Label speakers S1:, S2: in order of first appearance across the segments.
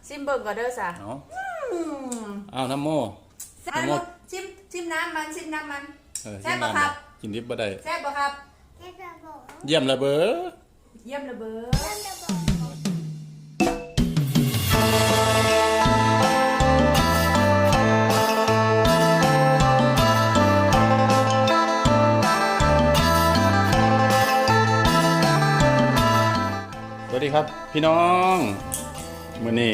S1: ซิมเบิ่งก่อนเด้อจ้ะ
S2: เอาน้ำโม
S1: น้ำโมชิมน้ำมันแซ่บบ่ครับ
S2: กินดิบบ่ได้
S1: แซ่บบ่ครับ
S2: เยี่ยมระเบ้อ
S1: เยี่ยมระเบ้อ
S2: สวัสดีครับพี่น้องมื้อนี้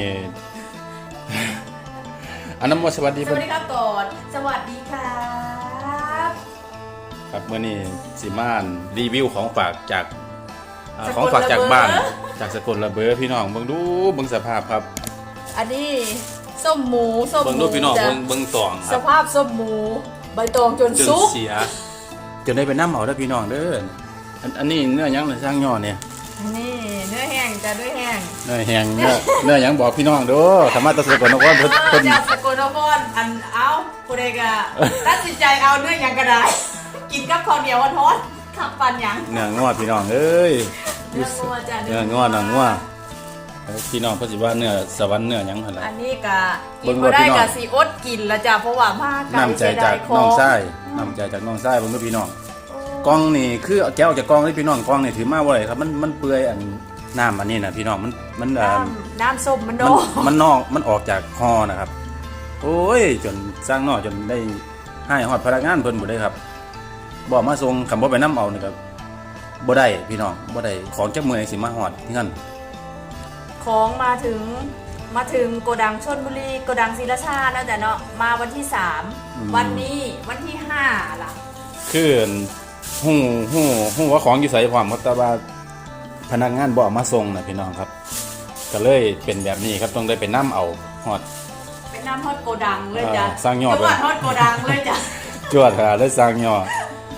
S2: อันน้ำโมสวัสดี
S1: ครับก่อนสวัสดีครับ
S2: ครับมื้อนี้สิมารีวิวของฝากจากบ้านจากสกลระเบ้อพี่น้องเบิ่งสภาพครับ
S1: อันนี้ส้มหมู
S2: เบิ่งดูพี่น้องเบิ่งตอง
S1: สภาพส้มหมูใบตองจนสุก
S2: เสียจนได้ไปน้ำเอาแล้วพี่น้องเด้ออันนี้เนื้อยังสร้างย่อเนี่ย
S1: นี่เนื้อแห้งจะด้วยแห้ง
S2: เนื้อแห้งเนื้อยังบอกพี่น้องเด้อธรรมะตะสกลนครเพิ่น
S1: จากสกลนครอันเอาผู้ใดก็ตัดสินใจเอาเนื้อยังก็ได้กินกับข้าวเหนียวทอดขับปันยัง
S2: เนื้องอพี่น้องเอ้ย
S1: เนื้องอจ้ะ
S2: เนื้องอพี่น้องเพิ่นสิว่าเนื้อสวรรค์เนื้อหยังหั่นล่ะ
S1: อันนี้ก็กินบ่ได้ก็สิอดกินละจ้ะเพราะว่ามาไกล
S2: น้ำใจจากน้องชายเบิ่งดูพี่น้องกล้องนี่คือแก้วจากกล้องนี่พี่น้องกล้องนี่ถือมาบ่ได้ครับมันเปื่อยอันน้ำอันนี้นะพี่น้องมัน
S1: น้ำส้มมัน
S2: มันออกจากคอนะครับโอ้ยจนสร้างนอกจนได้ให้ฮอดพนักงานเพิ่นบ่ได้ครับบ่มาส่งคำบ่ไปน้ำเอานี่ครับบ่ได้พี่น้องบ่ได้ของจักมื้อสิมาฮอดที่นั่น
S1: ของมาถึงโกดังชลบุรีโกดังศรีราชานะจ๊ะเนาะมาวันที่3วันนี้วันที่5ล่ะ
S2: คือฮู้ว่าของอยู่ไสพร้อมแต่ว่าพนักงานบ่มาส่งนะพี่น้องครับก็เลยเป็นแบบนี้ครับต้องได้ไปนํเอาฮอด
S1: ไปนํฮอดโกดังเลยจ้ะ
S2: สร้างยอด
S1: ฮอดโกดังเลยจ้ะ
S2: จวดค่ะเลยสร้างยอด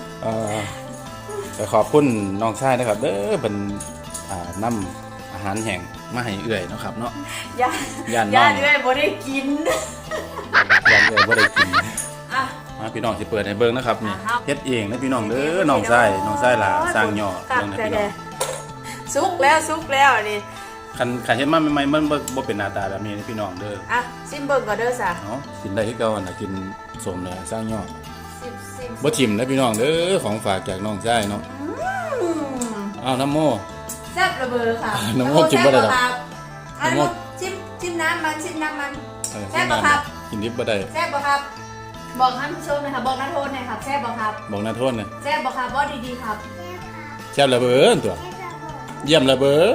S2: ขอบคุณน้องชายนะครับเด้อเป็นนำอาหารแห้งมาให้เอื้อยเนาะครับเนาะ
S1: ย่านเอื้อยบ่ได้กิน
S2: ย่านเอื้อยบ่ได้กินพี่น้องสิเปิดให้เบิ่งนะครับนี่เฮ็ดเองนะพี่น้องเด้อน้องชายล่ะสร้างยอดเบิ่งนะพี่น้อง
S1: สุกแล้วนี่
S2: คันเฮ็ดมาใหม่ๆมันบ่เป็นหน้าตาแบบนี้พี่น้องเด้อ
S1: ซิมเบิ่งก่อนเด้อจ้ะ
S2: เนาะกินได้คือเก่าน่ะกินสมแล้วสร้างยอดบ่ทิ่มนะพี่น้องเด้อของฝากจากน้องชายเนาะน้ำโม
S1: แซ่บระเบ้อค่ะ
S2: น้ำโมกินบ่ได้ดอก
S1: น้ำโมชิมน้ำมันแซ่บบ่ครับ
S2: กินดิบบ่ได้
S1: แซ่บบ่ครับบอกท่านผู้ชมหน่อยค่ะบอกนักโทษหน่อยครับแซ่บบ่ครับ
S2: บอกนักโทษหน่อย
S1: แซ่บบ่ครับว่าดีๆครับ
S2: แซ่บระเบ้อตัวเยี่ยมระเบ้อ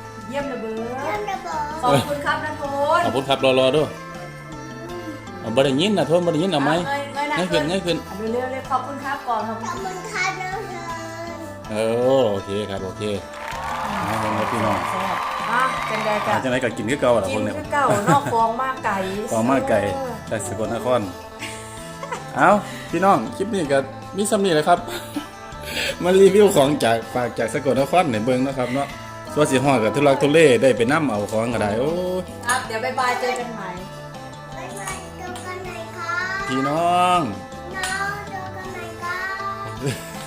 S1: ขอบคุณครับนักโทษ
S2: ขอบคุณครับรอด้วยบ่ได้ยินนะโทษบ่ได้ยินเอาไหมง่ายขึ้น
S1: เร็วขอบคุณครับก่อนขอบคุณครับ
S2: โอเคครับโอเคพี่น้องจังได๋ก็กินคือเก่าล่ะคนเนี่ย
S1: กินคือเก่านอกฟองมากไก่
S2: จากสกลนครเอาพี่น้องคลิปนี้ก็มีซ้ำนี้แหละครับมารีวิวของฝากจากสกลนครให้เบิ่งนะครับเนาะส่วนสิฮอดก็ทุลักทุเลได้ไปนำเอาของก็ได้โอ้
S1: ครับเดี๋ยวบ๊ายบายเจอกันใหม่
S2: พี่น้อง
S1: เจอกันใหม่ครับ